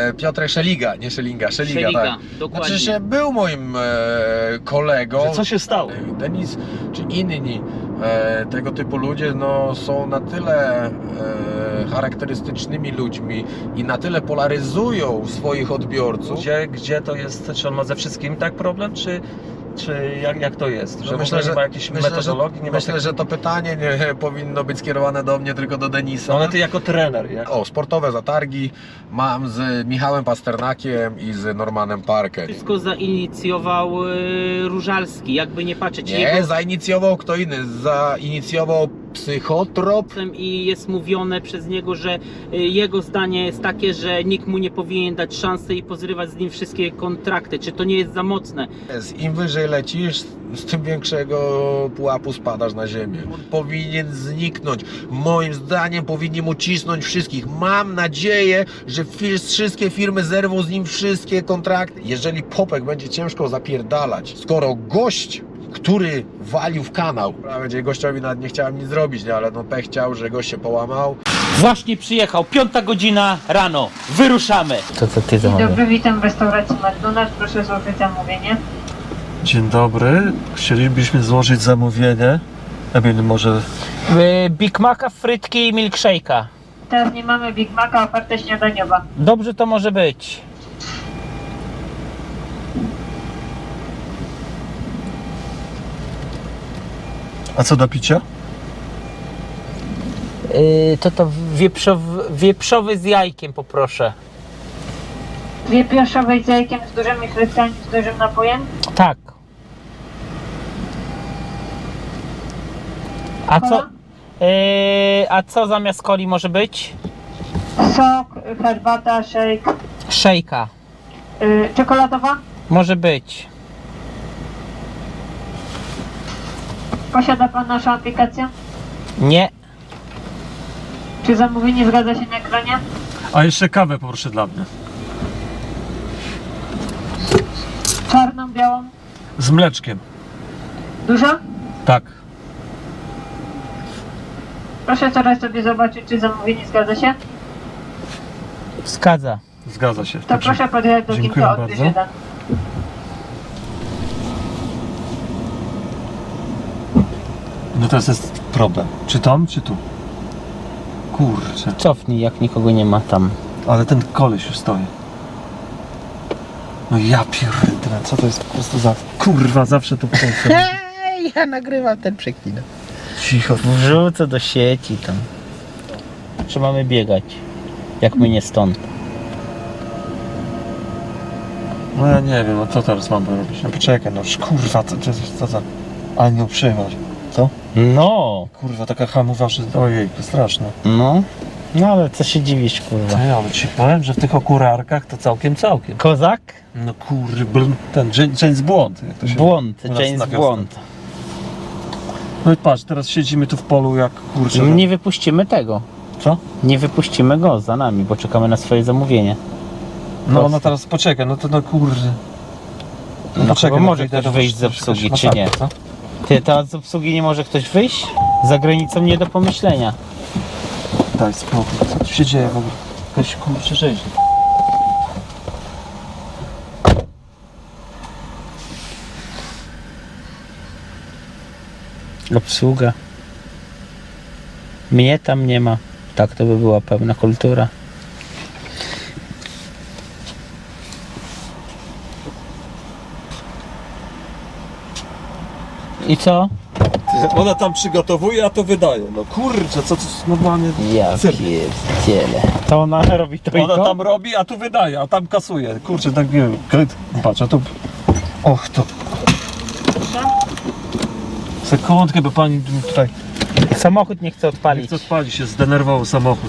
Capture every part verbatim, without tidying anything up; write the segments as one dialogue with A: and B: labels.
A: e, Piotrek Szeliga, nie Szelinga, Szeliga,
B: Szeliga,
A: tak.
B: dokładnie.
A: Znaczy, że był moim e, kolegą.
C: Że co się stało?
A: Denis czy inni e, tego typu ludzie no, są na tyle e, charakterystycznymi ludźmi i na tyle polaryzują swoich odbiorców.
C: Gdzie, gdzie to jest, czy on ma ze wszystkim tak problem, czy, czy jak, jak to jest? Że
A: No
C: myślę, że nie ma jakiejś
A: myślę,
C: metodologii?
A: że,
C: Nie ma
A: myślę
C: tak...
A: że to pytanie nie powinno być skierowane do mnie, tylko do Denisa.
C: No ale ty jako trener, jak...
A: O, sportowe zatargi mam z Michałem Pasternakiem i z Normanem Parkiem.
B: Wszystko zainicjował y, Różalski, jakby nie patrzeć.
A: Nie,
B: jego...
A: zainicjował kto inny, zainicjował psychotrop.
B: I jest mówione przez niego, że y, jego zdanie jest takie, że nikt mu nie powinien dać szansy i pozrywać z nim wszystkie kontrakty. Czy to nie jest za mocne?
A: Im wyżej lecisz, z tym większego pułapu spadasz na ziemię. On powinien zniknąć. Moim zdaniem powinien ucisnąć wszystkich. Mam nadzieję, że wszystkie firmy zerwą z nim wszystkie kontrakty. Jeżeli Popek będzie ciężko zapierdalać, skoro gość, który walił w kanał, będzie gościowi nawet nie chciałem nic zrobić, nie? Ale no pech chciał, że gość się połamał.
B: Właśnie przyjechał, piąta godzina rano, wyruszamy. To co ty
D: Dzień dobry, witam w restauracji McDonald's, proszę złożyć zamówienie.
C: Dzień dobry, chcielibyśmy złożyć zamówienie. Emil, może...
B: Big Maca, frytki i milkshake'a.
D: Teraz nie mamy Big Maca, oferta śniadaniowa.
B: Dobrze to może być.
C: A co do picia?
B: Yy, to to wieprzowy, wieprzowy z jajkiem poproszę.
D: Dwie pioszowe z jajkiem, z dużymi frytkami, z dużym napojem.
B: Tak. A co?
D: Kola?
B: Yy, a co zamiast coli może być?
D: Sok, herbata, shake.
B: Szejka.
D: Yy, czekoladowa?
B: Może być.
D: Posiada Pan naszą aplikację?
B: Nie.
D: Czy zamówienie zgadza się na ekranie?
C: A jeszcze kawę poproszę dla mnie.
D: Czarną, białą?
C: Z mleczkiem.
D: Dużo?
C: Tak.
D: Proszę teraz sobie zobaczyć, czy zamówienie zgadza się.
B: Zgadza.
C: Zgadza się.
D: To
C: Także
D: proszę podjechać do
C: dziękuję
D: Ginko odbierz
C: bardzo.
D: jeden.
C: No teraz jest problem. Czy tam, czy tu? Kurczę.
B: Cofnij, jak nikogo nie ma tam.
C: Ale ten koleś już stoi. No ja pierdolę, co to jest po prostu za... Kurwa, zawsze to potem.
B: Hej, ja nagrywam ten przeklinę.
C: Cicho.
B: Wrzucę do sieci tam. Czy mamy biegać? Jak my nie stąd.
C: No ja nie wiem, no co teraz mam robić? No poczekaj, no kurwa, co, co, co za... Ale nie uprzejmość. Co?
B: No,
C: Kurwa, taka hamowa, że ojej, to straszne.
B: no. No ale co się dziwisz, kurwa.
C: No ja ale ci powiem, że w tych okurarkach to całkiem, całkiem.
B: Kozak?
C: No kurwa, ten James Błąd, jak to się...
B: Błąd,
C: u nas
B: James
C: na wiosnę.
B: Błąd.
C: No i patrz, teraz siedzimy tu w polu jak kurczę.
B: Nie wypuścimy tego.
C: Co?
B: Nie wypuścimy go za nami, bo czekamy na swoje zamówienie.
C: No no teraz poczekaj, no to no kurde.
B: No
C: poczekaj,
B: bo może
C: wyjdę,
B: ktoś
C: to
B: wyjść z
C: muszę-
B: obsługi,
C: muszę-
B: czy nie?
C: co?
B: Ty, to z obsługi nie może ktoś wyjść? Za granicą nie do pomyślenia.
C: Daj spokój, co tu się dzieje w ogóle? Jakaś kurczę rzeź.
B: Obsługa. Mnie tam nie ma. Tak to by była pełna kultura. I co?
C: Ona tam przygotowuje, a to wydaje. No kurczę, co to jest normalnie...
B: Ja
C: cyrk.
B: pierdzielę. To ona robi to i
C: Ona
B: to?
C: tam robi, a tu wydaje, a tam kasuje. Kurczę, tak nie wiem. Kryt. Patrz, a tu... Och, to... Sekundkę, bo pani tutaj...
B: Samochód nie chce
C: Nie
B: odpalić.
C: chce odpalić, się zdenerwował samochód.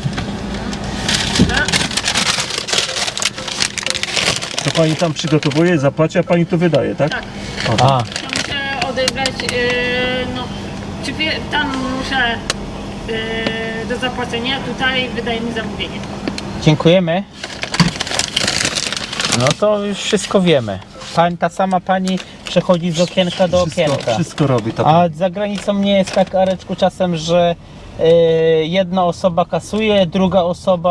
C: To pani tam przygotowuje, zapłaci, a pani to wydaje, tak?
E: Tak.
C: O,
B: A,
E: To muszę odebrać, yy, no, czy wie, tam muszę yy, do zapłacenia, tutaj wydaje mi zamówienie.
B: dziękujemy. No to już wszystko wiemy. Pan, ta sama pani przechodzi z okienka do
C: wszystko,
B: okienka.
C: wszystko robi ta
B: A za granicą nie jest tak, Areczku, czasem, że y, jedna osoba kasuje, druga osoba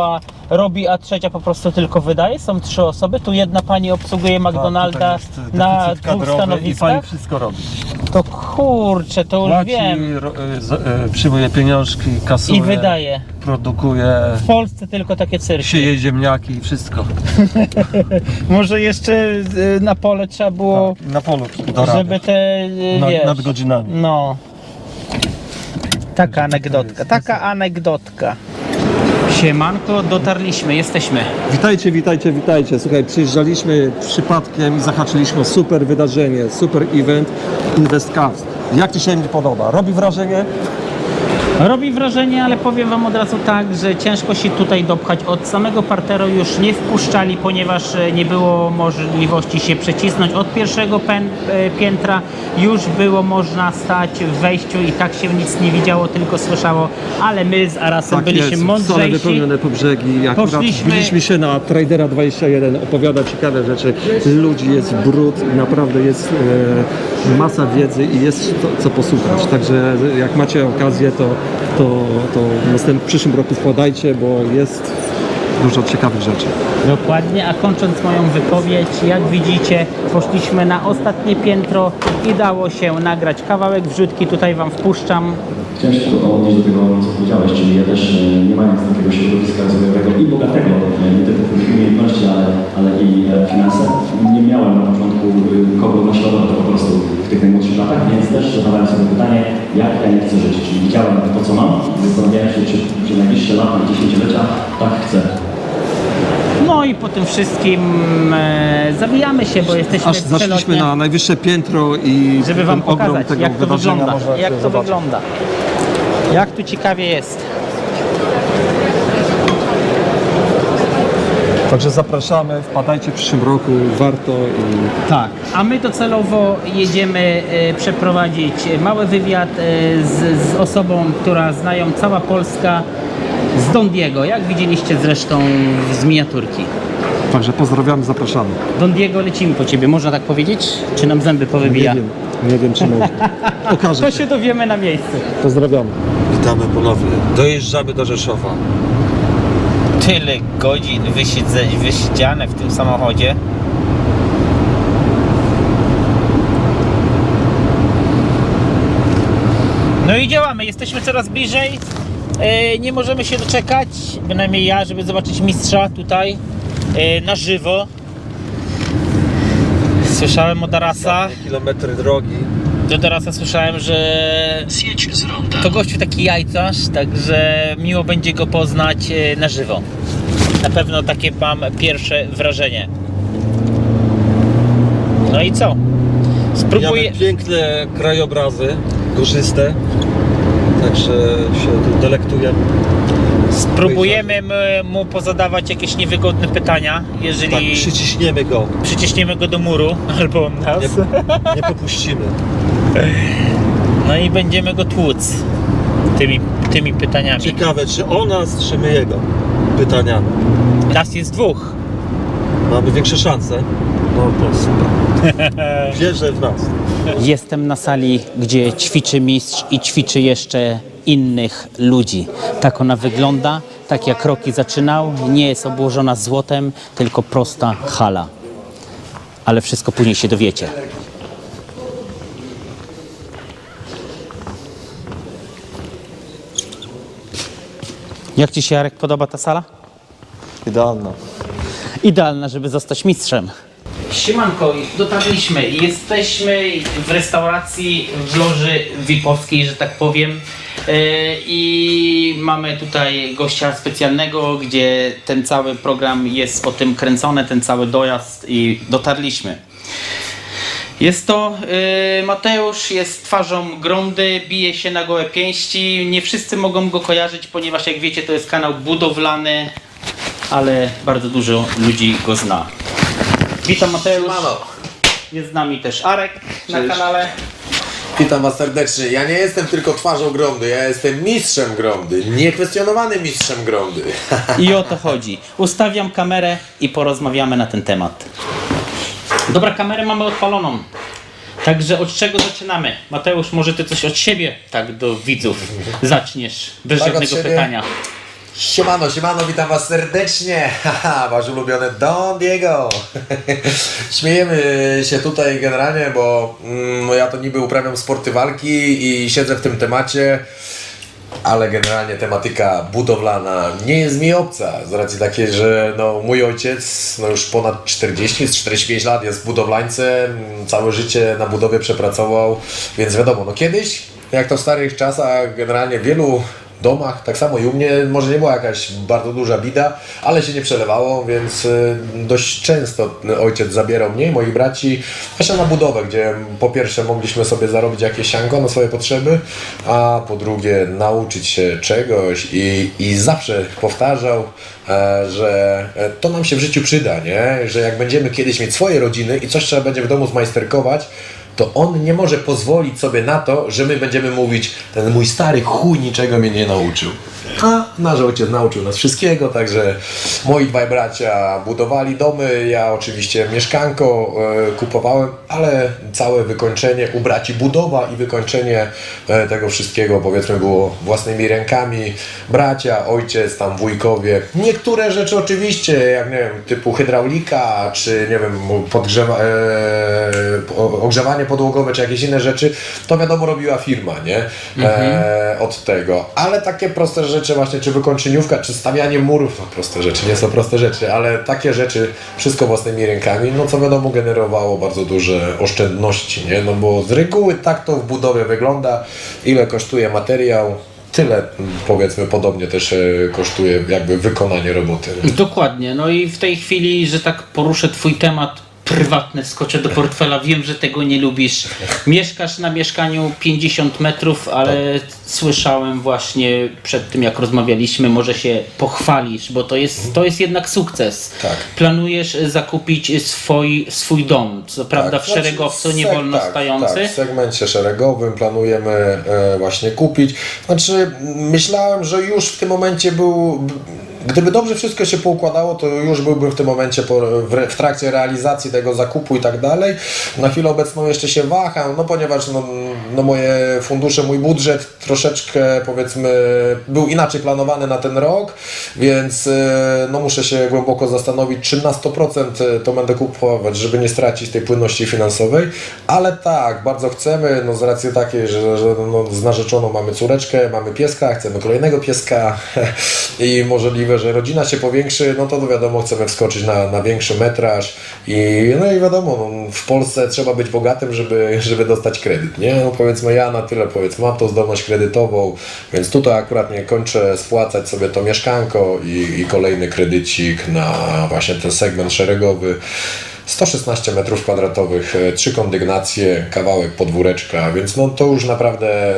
B: robi, a trzecia po prostu tylko wydaje? Są trzy osoby, tu jedna pani obsługuje McDonalda na dwóch
C: I pani
B: stanowiskach?
C: wszystko robi.
B: To kurczę, to już
C: Płaci,
B: wiem.
C: ro, y, z, y, przyjmuje pieniążki, kasuje,
B: I wydaje.
C: produkuje,
B: W Polsce tylko takie cyrki.
C: sieje ziemniaki i wszystko.
B: Może jeszcze y, na pole trzeba było,
C: Tak, na polu dorabiać.
B: żeby te, y,
C: Na-
B: wiesz,
C: nad godzinami.
B: No. Taka anegdotka, taka anegdotka. Siemanko, dotarliśmy, jesteśmy.
C: Witajcie, witajcie, witajcie. Słuchaj, przyjeżdżaliśmy przypadkiem i zahaczyliśmy o super wydarzenie, super event InvestCast. Jak Ci się podoba? Robi wrażenie?
B: Robi wrażenie, ale powiem Wam od razu tak, że ciężko się tutaj dopchać. Od samego parteru już nie wpuszczali, ponieważ e, nie było możliwości się przecisnąć. Od pierwszego pę- e, piętra już było można stać w wejściu i tak się nic nie widziało, tylko słyszało, ale my z Arasem byliśmy
C: Stole
B: mądrzejsi.
C: wypełnione po brzegi. Akurat
B: Poszliśmy-
C: biliśmy się na Tradera dwadzieścia jeden, opowiada ciekawe rzeczy. Ludzi jest brud i naprawdę jest e, masa wiedzy i jest to, co posłuchać. Także jak macie okazję, to, to, to w następnym, w przyszłym roku wkładajcie, bo jest dużo ciekawych rzeczy.
B: Dokładnie, a kończąc moją wypowiedź, jak widzicie, poszliśmy na ostatnie piętro i dało się nagrać kawałek wrzutki, tutaj Wam wpuszczam.
F: Chciałem się tylko odnieść do tego, co powiedziałeś, czyli ja też e, nie mając takiego środowiska rozwojowego i bogatego, e, nie tylko w umiejętności, ale, ale i e, finanse, nie miałem na początku e, kogo naśladować po prostu w tych najmłodszych latach, więc też zadawałem sobie pytanie, jak ja nie chcę żyć, czyli widziałem to, co mam i zastanawiałem się, czy przez najbliższe lata, dziesięciolecia tak chcę.
B: No i po tym wszystkim e, zawijamy się, bo jesteśmy
C: Aż zaszliśmy
B: przelotnie,
C: na najwyższe piętro i
B: żeby Wam
C: ten ogrom
B: pokazać,
C: tego
B: jak to
C: wydarzenia
B: wygląda,
C: można
B: jak to
C: zobaczyć.
B: wygląda, jak tu ciekawie jest.
C: Także zapraszamy, wpadajcie w przyszłym roku, warto i
B: Tak. A my docelowo jedziemy e, przeprowadzić mały wywiad e, z, z osobą, która znają cała Polska, z Don Diego, jak widzieliście zresztą z miniaturki.
C: także pozdrawiamy, zapraszamy.
B: Don Diego, lecimy po Ciebie, można tak powiedzieć? Czy nam zęby powybija?
C: Nie wiem, nie wiem czy można. Okaże
B: To
C: się.
B: się dowiemy na miejscu.
C: Pozdrawiamy. Witamy ponownie. Dojeżdżamy do Rzeszowa.
G: Tyle godzin wysiedzeń, wysiedziane w tym samochodzie. No i działamy, jesteśmy coraz bliżej. E, nie możemy się doczekać, bynajmniej ja, żeby zobaczyć mistrza tutaj e, na żywo. Słyszałem od Arasa,
C: Kilometry drogi.
G: do Arasa słyszałem, że to gościu taki jajcarz, także miło będzie go poznać e, na żywo. Na pewno takie mam pierwsze wrażenie. No i co? Spróbuję.
C: Mamy piękne krajobrazy, górzyste. Także się tu delektujemy.
G: Spróbujemy m- mu pozadawać jakieś niewygodne pytania, jeżeli
C: Tak, przyciśniemy go.
G: przyciśniemy go do muru albo on nas.
C: Nie, nie popuścimy.
G: No i będziemy go tłuc tymi, tymi pytaniami.
C: Ciekawe, czy o nas, czy my jego pytaniami.
G: Nas jest dwóch.
C: Mamy większe szanse. No to super. Wierzę w nas.
B: Jestem na sali, gdzie ćwiczy mistrz i ćwiczy jeszcze innych ludzi. Tak ona wygląda, tak jak Rocky zaczynał. Nie jest obłożona złotem, tylko prosta hala. Ale wszystko później się dowiecie. Jak Ci się, Jarek, podoba ta sala?
C: Idealna.
B: Idealna, żeby zostać mistrzem. Siemanko, dotarliśmy. Jesteśmy w restauracji w loży V I P-owskiej, że tak powiem. Yy, I mamy tutaj gościa specjalnego, gdzie ten cały program jest o tym kręcony, ten cały dojazd i dotarliśmy. Jest to yy, Mateusz, jest twarzą Gromdy, bije się na gołe pięści. Nie wszyscy mogą go kojarzyć, ponieważ jak wiecie, to jest kanał budowlany, ale bardzo dużo ludzi go zna. Witam, Mateusz.
A: Mano.
B: Jest z nami też Arek na kanale.
A: Witam Was serdecznie. Ja nie jestem tylko twarzą Gromdy, ja jestem mistrzem Gromdy. Niekwestionowanym mistrzem Gromdy.
B: I o to chodzi. Ustawiam kamerę i porozmawiamy na ten temat. Dobra, kamerę mamy odpaloną. Także od czego zaczynamy? Mateusz, może Ty coś od siebie tak do widzów zaczniesz, bez
A: Tak, od
B: żadnego
A: siebie?
B: pytania.
A: Siemano, siemano, witam was serdecznie, haha, wasz ulubiony Don Diego. Śmiejemy się tutaj generalnie, bo mm, no ja to niby uprawiam sporty walki i siedzę w tym temacie, ale generalnie tematyka budowlana nie jest mi obca, z racji takiej, że no, mój ojciec no już ponad czterdzieści, czterdzieści pięć lat jest budowlańcem, całe życie na budowie przepracował, więc wiadomo, no kiedyś, jak to w starych czasach, generalnie w wielu domach, tak samo i u mnie, może nie była jakaś bardzo duża bida, ale się nie przelewało, więc y, dość często ojciec zabierał mnie i moich braci właśnie na budowę, gdzie po pierwsze mogliśmy sobie zarobić jakieś sianko na swoje potrzeby, a po drugie nauczyć się czegoś i, i zawsze powtarzał, e, że to nam się w życiu przyda, nie? Że jak będziemy kiedyś mieć swoje rodziny i coś trzeba będzie w domu zmajsterkować, to on nie może pozwolić sobie na to, że my będziemy mówić, ten mój stary chuj niczego mnie nie nauczył. A nasz ojciec nauczył nas wszystkiego, także moi dwaj bracia budowali domy, ja oczywiście mieszkanko e, kupowałem, ale całe wykończenie u braci budowa i wykończenie e, tego wszystkiego, powiedzmy, było własnymi rękami. Bracia, ojciec, tam wujkowie. Niektóre rzeczy oczywiście, jak nie wiem, typu hydraulika, czy nie wiem, podgrzewa, e, ogrzewanie podłogowe, czy jakieś inne rzeczy, to wiadomo robiła firma, nie? E, od tego. Ale takie proste rzeczy właśnie, czy wykończeniówka, czy stawianie murów, no proste rzeczy, nie są proste rzeczy, ale takie rzeczy, wszystko własnymi rękami, no co wiadomo generowało bardzo duże oszczędności, nie? No bo z reguły tak to w budowie wygląda, ile kosztuje materiał, tyle powiedzmy podobnie też e, kosztuje jakby wykonanie roboty. Nie?
B: Dokładnie, no i w tej chwili, że tak poruszę twój temat prywatny, skoczę do portfela, wiem, że tego nie lubisz. Mieszkasz na mieszkaniu pięćdziesiąt metrów, ale tak. Słyszałem właśnie przed tym, jak rozmawialiśmy, może się pochwalisz, bo to jest, to jest jednak sukces.
A: Tak.
B: Planujesz zakupić swój, swój dom, co prawda w
A: znaczy,
B: szeregowcu, nie
A: seg-
B: wolno
A: tak,
B: stojący.
A: Tak, w segmencie szeregowym planujemy e, właśnie kupić. Znaczy myślałem, że już w tym momencie był... Gdyby dobrze wszystko się poukładało, to już byłbym w tym momencie po, w, w trakcie realizacji tego zakupu i tak dalej. Na chwilę obecną jeszcze się waham, no ponieważ no, no moje fundusze, mój budżet troszeczkę powiedzmy był inaczej planowany na ten rok, więc no muszę się głęboko zastanowić, czy na sto procent to będę kupować, żeby nie stracić tej płynności finansowej, ale tak, bardzo chcemy, no z racji takiej, że, że no, z narzeczoną mamy córeczkę, mamy pieska, chcemy kolejnego pieska i możliwe, że rodzina się powiększy, no to, to wiadomo, chcemy wskoczyć na, na większy metraż i no i wiadomo, no, w Polsce trzeba być bogatym, żeby, żeby dostać kredyt, nie? No powiedzmy ja na tyle, powiedzmy, mam tą zdolność kredytową, więc tutaj akurat nie kończę spłacać sobie to mieszkanko i, i kolejny kredycik na właśnie ten segment szeregowy. sto szesnaście metrów kwadratowych, trzy kondygnacje, kawałek podwóreczka, więc no to już naprawdę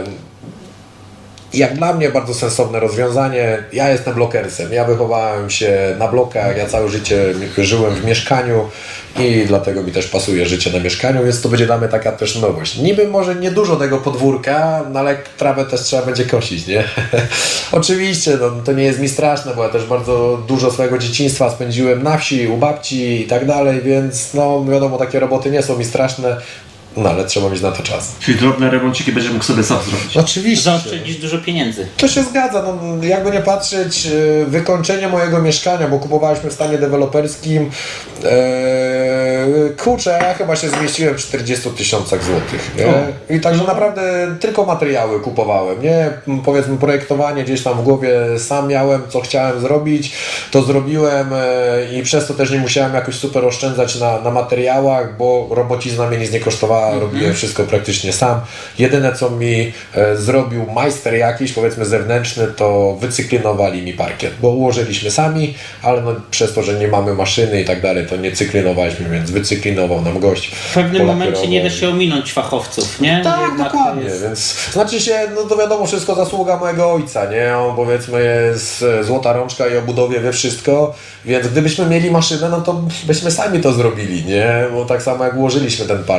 A: jak dla mnie bardzo sensowne rozwiązanie. Ja jestem blokersem, ja wychowałem się na blokach, ja całe życie żyłem w mieszkaniu i dlatego mi też pasuje życie na mieszkaniu, więc to będzie dla mnie taka też nowość. Niby może nie dużo tego podwórka, no ale trawę też trzeba będzie kosić, nie? Oczywiście, no, to nie jest mi straszne, bo ja też bardzo dużo swojego dzieciństwa spędziłem na wsi, u babci i tak dalej, więc no wiadomo, takie roboty nie są mi straszne. No ale trzeba mieć na to czas.
F: Czyli drobne remonciki będzie mógł sobie sam zrobić.
A: Oczywiście.
B: Zaoszczędzisz dużo pieniędzy.
A: To się zgadza, no, jakby nie patrzeć, yy, wykończenie mojego mieszkania, bo kupowaliśmy w stanie deweloperskim, yy, kurczę, ja chyba się zmieściłem w czterdziestu tysiącach złotych, nie? I także naprawdę tylko materiały kupowałem, nie? Powiedzmy projektowanie gdzieś tam w głowie sam miałem, co chciałem zrobić, to zrobiłem yy, i przez to też nie musiałem jakoś super oszczędzać na, na materiałach, bo robocizna mnie nic nie kosztowała. Robiłem wszystko praktycznie sam. Jedyne co mi e, zrobił majster jakiś, powiedzmy zewnętrzny, to wycyklinowali mi parkiet, bo ułożyliśmy sami, ale no, przez to, że nie mamy maszyny i tak dalej, to nie cyklinowaliśmy, więc wycyklinował nam gość.
B: W pewnym momencie nie da się ominąć fachowców, nie?
A: Tak,
B: Jednak
A: dokładnie,
B: jest...
A: więc znaczy się, no to wiadomo, wszystko zasługa mojego ojca, nie? On powiedzmy jest złota rączka i o budowie wie wszystko, więc gdybyśmy mieli maszynę, no to byśmy sami to zrobili, nie? Bo tak samo jak ułożyliśmy ten parkiet.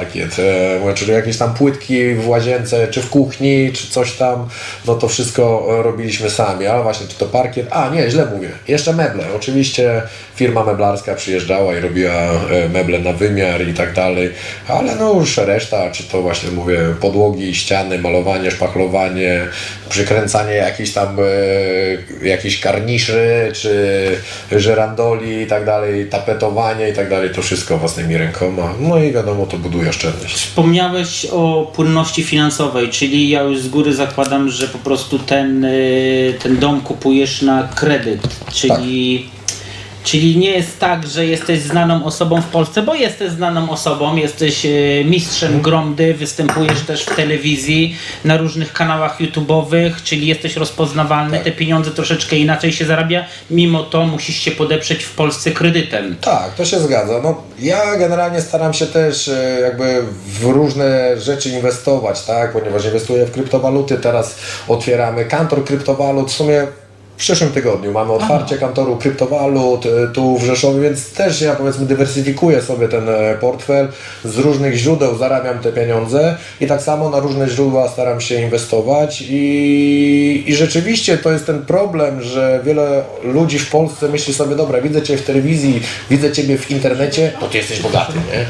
A: e, mówię, czyli jakieś tam płytki w łazience, czy w kuchni, czy coś tam, no to wszystko robiliśmy sami, ale właśnie czy to parkiet, a nie, źle mówię, jeszcze meble, oczywiście firma meblarska przyjeżdżała i robiła e, meble na wymiar i tak dalej, ale no już reszta, czy to właśnie mówię, podłogi, ściany, malowanie, szpachlowanie, przykręcanie jakichś tam e, jakichś karniszy, czy żerandoli i tak dalej, tapetowanie i tak dalej, to wszystko własnymi rękoma, no i wiadomo, to buduje oszczędność.
B: Wspomniałeś o płynności finansowej, czyli ja już z góry zakładam, że po prostu ten, y, ten dom kupujesz na kredyt, czyli, czyli nie jest tak, że jesteś znaną osobą w Polsce, bo jesteś znaną osobą, jesteś y, mistrzem gromdy, występujesz też w telewizji, na różnych kanałach YouTube'owych, czyli jesteś rozpoznawalny,
A: Tak.
B: te pieniądze troszeczkę inaczej się zarabia, mimo to musisz się podeprzeć w Polsce kredytem.
A: Tak, to się zgadza. No, ja generalnie staram się też e, jakby w różne rzeczy inwestować, tak, ponieważ inwestuję w kryptowaluty, teraz otwieramy kantor kryptowalut, w sumie w przyszłym tygodniu mamy otwarcie Aha. kantoru kryptowalut e, tu w Rzeszowie, więc też ja powiedzmy dywersyfikuję sobie ten e, portfel, z różnych źródeł zarabiam te pieniądze i tak samo na różne źródła staram się inwestować i, i rzeczywiście to jest ten problem, że wiele ludzi w Polsce myśli sobie, dobra, widzę Cię w telewizji, widzę Ciebie w internecie, to Ty jesteś bogaty, nie?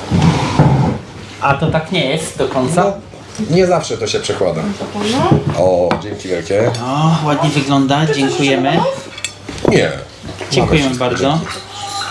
B: A to tak nie jest do końca?
A: No, nie zawsze to się przekłada. O, dzięki wielkie.
B: O, ładnie wygląda, dziękujemy.
A: Nie.
B: Dziękujemy
A: Mamy wszystko,
B: bardzo.
A: dzięki.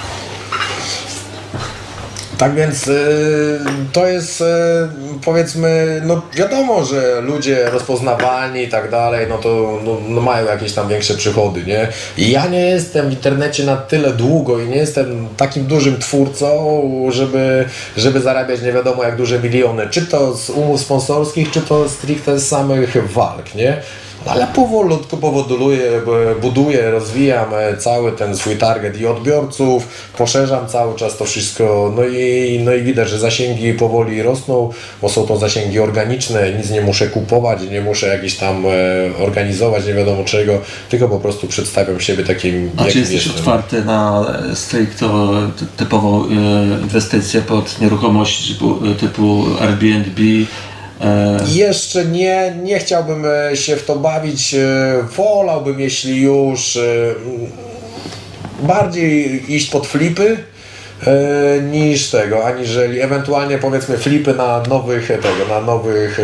A: Tak więc y, to jest y, powiedzmy, no wiadomo, że ludzie rozpoznawalni i tak dalej, no to no, no mają jakieś tam większe przychody, nie? I ja nie jestem w internecie na tyle długo i nie jestem takim dużym twórcą, żeby, żeby zarabiać nie wiadomo jak duże miliony, czy to z umów sponsorskich, czy to stricte z samych walk, nie? Ale powolutku powoduluję, buduję, rozwijam cały ten swój target i odbiorców, poszerzam cały czas to wszystko, no i, no i widać, że zasięgi powoli rosną, bo są to zasięgi organiczne, nic nie muszę kupować, nie muszę jakiś tam e, organizować, nie wiadomo czego, tylko po prostu przedstawiam siebie takim,
C: A czy
A: jakim
C: jesteś
A: jestem.
C: otwarty na stricto typową e, inwestycję pod nieruchomości typu, typu Airbnb?
A: Jeszcze nie, nie chciałbym e, się w to bawić, e, wolałbym jeśli już e, bardziej iść pod flipy e, niż tego, aniżeli ewentualnie powiedzmy flipy na nowych tego, na nowych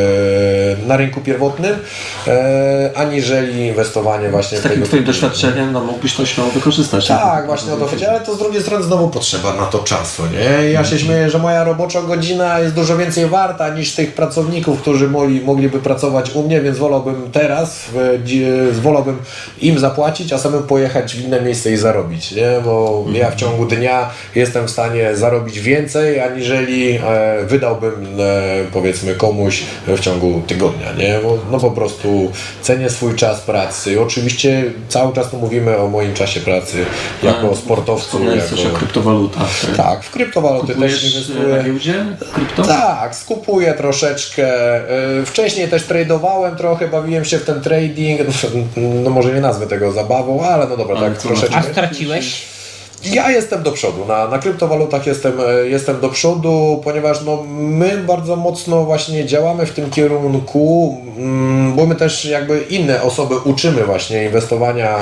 A: e, na rynku pierwotnym, e, aniżeli inwestowanie właśnie
C: Z
A: w
C: takim
A: tego
C: twoim
A: typu.
C: doświadczeniem no, mógłbyś to śmiało wykorzystać.
A: Tak, właśnie o to chodzi, ale to z drugiej strony znowu potrzeba na to czasu, nie? Ja się śmieję, że moja robocza godzina jest dużo więcej warta niż tych pracowników, którzy mogli, mogliby pracować u mnie, więc wolałbym teraz, w, wolałbym im zapłacić, a samym pojechać w inne miejsce i zarobić, nie? Bo ja w ciągu dnia jestem w stanie zarobić więcej, aniżeli e, wydałbym e, powiedzmy komuś w ciągu tygodnia, nie? Bo, no po prostu cenię swój czas pracy. Oczywiście cały czas tu mówimy o moim czasie pracy jako
C: A,
A: sportowcu.
C: Wspomniałeś
A: Jako...
C: coś o kryptowalutach.
A: Tak, w kryptowaluty też
C: Kupujesz
A: inwestuję.
C: na giełdzie krypto?
A: Tak, skupuję troszeczkę. Yy, Wcześniej też tradowałem trochę, bawiłem się w ten trading. No może nie nazwę tego zabawą, ale no dobra,
C: Ale
A: tak
C: co,
A: troszeczkę.
B: A straciłeś?
A: Ja jestem do przodu, na, na kryptowalutach jestem, e, jestem do przodu, ponieważ no, my bardzo mocno właśnie działamy w tym kierunku, mm, bo my też jakby inne osoby uczymy właśnie inwestowania e,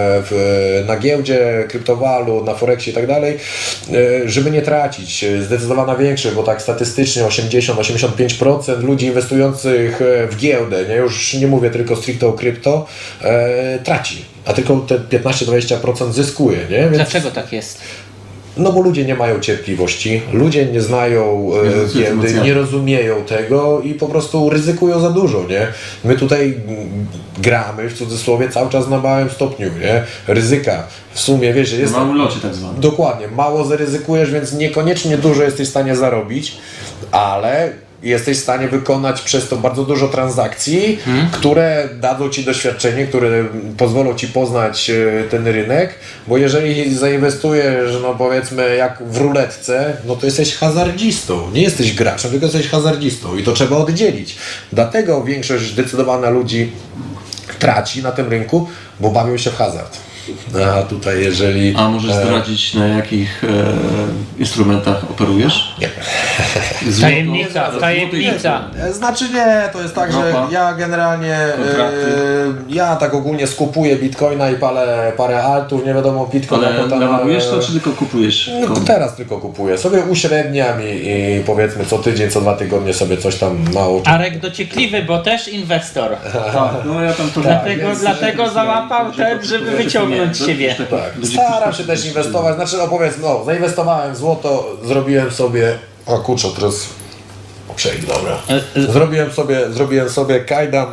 A: w, na giełdzie, kryptowalut, na Forexie i tak dalej, e, żeby nie tracić. Zdecydowana większość, bo tak statystycznie osiemdziesiąt do osiemdziesięciu pięciu procent ludzi inwestujących w giełdę, nie, już nie mówię tylko stricte o krypto, e, traci. A tylko te piętnaście do dwudziestu procent zyskuje, nie? Więc,
B: Dlaczego tak jest?
A: no bo ludzie nie mają cierpliwości, ludzie nie znają e, giełdy, nie rozumieją tego i po prostu ryzykują za dużo, nie? My tutaj mm, gramy, w cudzysłowie, cały czas na małym stopniu, nie? Ryzyka. W sumie, wiesz, że jest...
C: Na małym locie tak zwanym.
A: Dokładnie, mało zaryzykujesz, więc niekoniecznie dużo jesteś w stanie zarobić, ale jesteś w stanie wykonać przez to bardzo dużo transakcji, hmm. które dadzą Ci doświadczenie, które pozwolą Ci poznać ten rynek, bo jeżeli zainwestujesz, no powiedzmy jak w ruletce, no to jesteś hazardzistą, nie jesteś graczem, tylko jesteś hazardzistą i to trzeba oddzielić. Dlatego większość zdecydowana ludzi traci na tym rynku, bo bawią się w hazard. A tutaj jeżeli...
C: A możesz
A: e,
C: zdradzić, na jakich e, instrumentach operujesz?
A: Nie.
C: Złoto-
B: Tajemnica, tajemnica.
A: E, Znaczy nie, to jest tak, że
C: Ropa?
A: ja generalnie, e,
C: Kontrakty?
A: ja tak ogólnie skupuję bitcoina i palę parę altów, nie wiadomo, bitcoin
C: Ale
A: jako tam,
C: naładujesz to,
A: e,
C: czy tylko kupujesz?
A: No,
C: Komu?
A: teraz tylko kupuję. Sobie uśredniam i, i powiedzmy co tydzień, co dwa tygodnie sobie coś tam mało.
B: Arek dociekliwy, bo też inwestor.
C: Tak, no ja tam to
B: Dlatego,
A: więc-
B: dlatego załapał ten, żeby wyciągnąć siebie.
A: Tak, staram się też inwestować. Znaczy, no powiedzmy, no, zainwestowałem w złoto, zrobiłem sobie. O kurczę, teraz. Przejdę, dobra. Zrobiłem sobie, zrobiłem sobie kajdan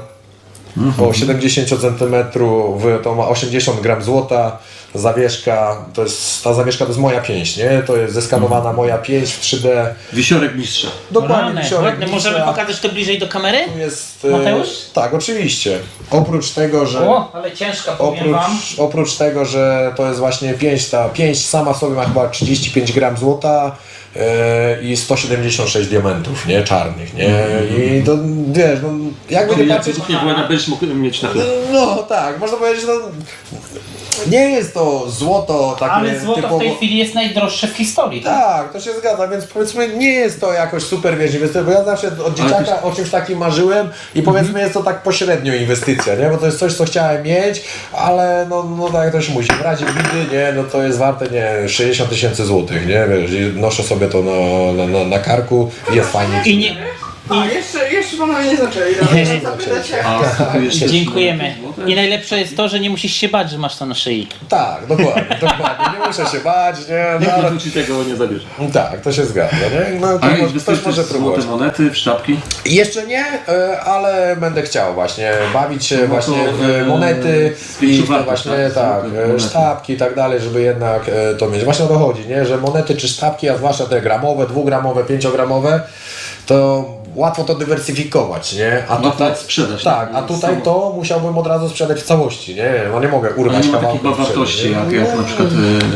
A: o siedemdziesiąt centymetrów, to ma osiemdziesiąt gram złota, zawieszka, to jest, ta zawieszka to jest moja pięść, nie? To jest zeskanowana moja pięść w trzy D.
C: Wisiorek mistrza.
A: Dokładnie,
B: Rany,
A: wisiorek
B: ładne. Możemy
A: mistrza.
B: pokazać to bliżej do kamery?
A: Tu jest, e,
B: Mateusz?
A: Tak, oczywiście. Oprócz tego, że...
B: O, ale ciężka, powiem wam.
A: Oprócz, oprócz tego, że to jest właśnie pięść, ta pięść sama w sobie ma chyba trzydzieści pięć gram złota e, i sto siedemdziesiąt sześć diamentów, nie? Czarnych, nie? I to, wiesz, no, jakby nie
C: Jak
A: patrzeć...
C: wybuchnie wojna, będziesz mógł mieć na chleb.
A: No tak, można powiedzieć, no... Nie jest to złoto takie
B: Ale złoto
A: typowo...
B: w tej chwili jest najdroższe w historii.
A: Tak, to się zgadza, więc powiedzmy nie jest to jakoś super, wiesz, inwestycja, bo ja zawsze od dzieciaka
C: też-
A: o czymś takim marzyłem i powiedzmy jest to tak pośrednio inwestycja, nie, bo to jest coś, co chciałem mieć, ale no, no tak jak to się musi, w razie bidy, nie, no to jest warte, nie, sześćdziesiąt tysięcy złotych, nie, wiesz, i noszę sobie to na, na, na, na karku i jest fajnie.
B: I nie...
H: A, jeszcze, jeszcze panowie nie zaczęli.
B: Nie, nie,
H: Zapytacie.
C: A kupujesz też
B: Dziękujemy.
C: złote?
B: I najlepsze jest to, że nie musisz się bać, że masz to na szyi.
A: Tak, dokładnie, dokładnie, nie muszę się bać, nie, no,
C: Nikt
A: ale...
C: tu ci tego nie zabierze.
A: Tak, to się zgadza, nie, no to
C: A
A: mo-
C: inwestujesz
A: ktoś może
C: też w złote
A: próbować.
C: monety, w sztabki?
A: Jeszcze nie, e, ale będę chciał właśnie bawić się
C: No to,
A: właśnie w
C: e,
A: monety i
C: zwiększył
A: w te
C: wartość,
A: właśnie
C: tak?
A: tak,
C: Złote
A: e,
C: monety.
A: sztabki i tak dalej, żeby jednak e, to mieć. Właśnie o to chodzi, nie? Że monety czy sztabki, a zwłaszcza te gramowe, dwugramowe, pięciogramowe, to łatwo to dywersyfikować, nie? A
C: Łatwo
A: tutaj,
C: sprzedać,
A: tak,
C: tak?
A: a tutaj
C: Samo.
A: to musiałbym od razu sprzedać w całości, nie? No nie mogę
C: Ale
A: urwać
C: nie ma
A: kawałków
C: takiej
A: sprzedać,
C: wartości,
A: nie?
C: jak, jak na przykład...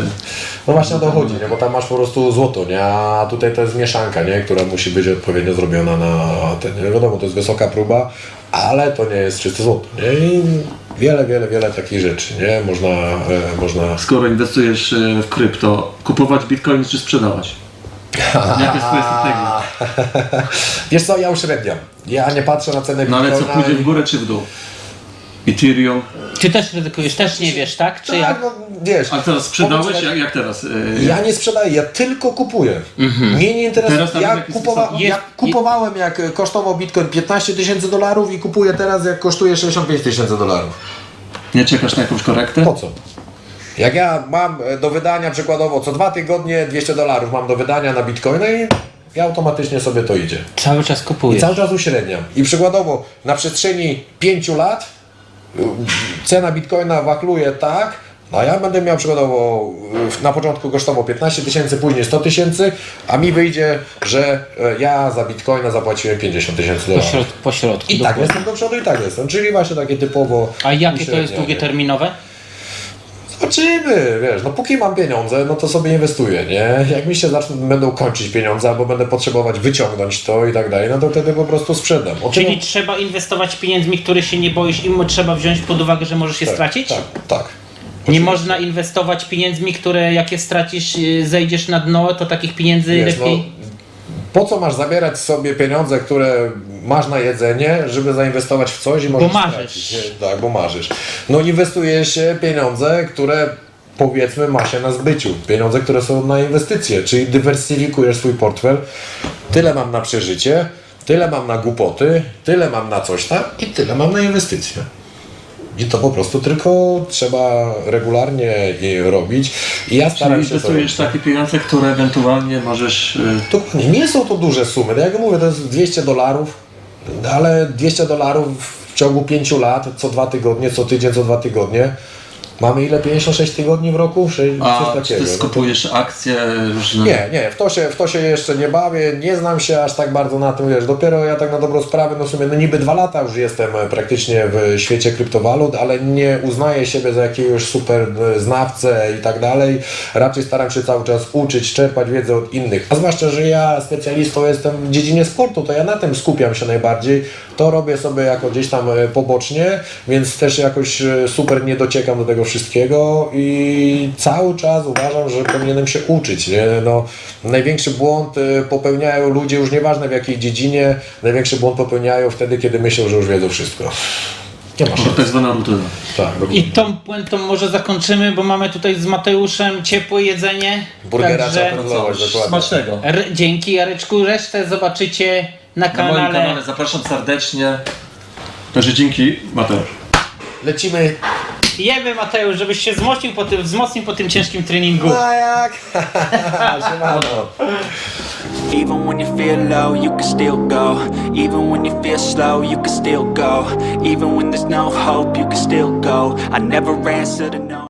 A: No właśnie o to chodzi, nie? Bo tam masz po prostu złoto, nie? A tutaj to jest mieszanka, nie? Która musi być odpowiednio zrobiona na ten, nie wiadomo, to jest wysoka próba, ale to nie jest czyste złoto, nie? I wiele, wiele, wiele takich rzeczy, nie? Można, e, można...
C: Skoro inwestujesz e, w krypto, kupować bitcoin czy sprzedawać? Jaka jest twoja strategia?
A: Wiesz co, ja uśredniam. Ja nie patrzę na cenę
C: No ale co,
A: bitcoina
C: pójdzie w
A: i-
C: górę czy w dół? Ethereum.
B: Ty też ryzykujesz, też nie wiesz, tak? Czy
A: Tak,
B: jak?
A: no wiesz.
C: A teraz sprzedałeś?
A: powiedz,
C: Jak, jak teraz? E,
A: Ja nie sprzedaję, ja tylko kupuję. Mnie nie interesuje.
C: Teraz nawet
A: Ja,
C: jaki
A: kupowa
C: sposób?
A: ja
B: Jest-
A: kupowałem jak kosztował bitcoin piętnaście tysięcy dolarów i kupuję teraz jak kosztuje sześćdziesiąt pięć tysięcy dolarów.
C: Nie czekasz na jakąś korektę?
A: Po co? Jak ja mam do wydania przykładowo co dwa tygodnie dwieście dolarów mam do wydania na bitcoina i i automatycznie sobie to idzie.
B: Cały czas
A: I
B: kupujesz.
A: cały czas uśredniam. I przykładowo na przestrzeni pięciu lat y, cena bitcoina wakluje tak, a ja będę miał przykładowo y, na początku kosztował piętnaście tysięcy, później sto tysięcy, a mi wyjdzie, że y, ja za bitcoina zapłaciłem pięćdziesiąt tysięcy
B: Po,
A: dolarów.
B: środ po środku.
A: I tak
B: dokładnie.
A: jestem do przodu i tak jestem. Czyli właśnie takie typowo
B: A jakie to jest
A: uśrednianie.
B: długoterminowe?
A: Zobaczymy, wiesz, no póki mam pieniądze, no to sobie inwestuję, nie? Jak mi się zaczną, będą kończyć pieniądze, albo będę potrzebować wyciągnąć to i tak dalej, no to wtedy po prostu sprzedam. O
B: Czyli
A: czym-
B: trzeba inwestować pieniędzmi, które się nie boisz i mo- trzeba wziąć pod uwagę, że możesz je
A: tak,
B: stracić?
A: Tak, tak.
B: Nie
A: Oczywiście.
B: można inwestować pieniędzmi, które jak je stracisz, y, zejdziesz na dno, to takich pieniędzy
A: Wiesz,
B: lepiej...
A: no, po co masz zabierać sobie pieniądze, które masz na jedzenie, żeby zainwestować w coś i możesz
B: marzysz.
A: stracić, nie? Tak, bo marzysz. No inwestuje się pieniądze, które powiedzmy ma się na zbyciu. Pieniądze, które są na inwestycje, czyli dywersyfikujesz swój portfel. Tyle mam na przeżycie, tyle mam na głupoty, tyle mam na coś tam i tyle mam na inwestycje. I to po prostu tylko trzeba regularnie je robić. I ja
C: Czyli
A: staram się to
C: inwestujesz
A: robić.
C: takie pieniądze, które ewentualnie możesz... e,
A: Dokładnie, nie są to duże sumy. Tak jak mówię, to jest dwieście dolarów, ale dwieście dolarów w ciągu pięciu lat, co dwa tygodnie, co tydzień, co dwa tygodnie. Mamy ile? pięćdziesiąt sześć tygodni w roku? Coś
C: A czy
A: takiego.
C: ty
A: No to-
C: skupujesz akcje różne?
A: Nie, nie, w to, się, w to się jeszcze nie bawię, nie znam się aż tak bardzo na tym, wiesz, dopiero ja tak na dobrą sprawę, no w sumie, no niby dwa lata już jestem praktycznie w świecie kryptowalut, ale nie uznaję siebie za jakiegoś super znawcę i tak dalej, raczej staram się cały czas uczyć, czerpać wiedzę od innych, a zwłaszcza, że ja specjalistą jestem w dziedzinie sportu, to ja na tym skupiam się najbardziej, to robię sobie jako gdzieś tam pobocznie, więc też jakoś super nie dociekam do tego wszystkiego i cały czas uważam, że powinienem się uczyć. Nie? No, największy błąd y, popełniają ludzie, już nieważne w jakiej dziedzinie, największy błąd popełniają wtedy, kiedy myślą, że już wiedzą wszystko. Nie ma szans.
C: Tak zwana rutyna.
A: Tak,
B: I tą puentą może zakończymy, bo mamy tutaj z Mateuszem ciepłe jedzenie.
A: burgera
B: Także
A: trzeba kontrolować, dokładnie.
C: Smacznego.
B: r- dzięki Jareczku, resztę zobaczycie na
C: Na moim
B: kanale.
C: kanale zapraszam serdecznie. Także dzięki, Mateusz.
A: Lecimy.
B: Jemy Mateusz, żebyś się wzmocnił po tym, wzmocnił po tym ciężkim treningu.
A: A jak? Siemano.
I: Even when you feel low, you can still go. Even when you feel slow, you can still go. Even when there's no hope, you can still go. I never answer to no.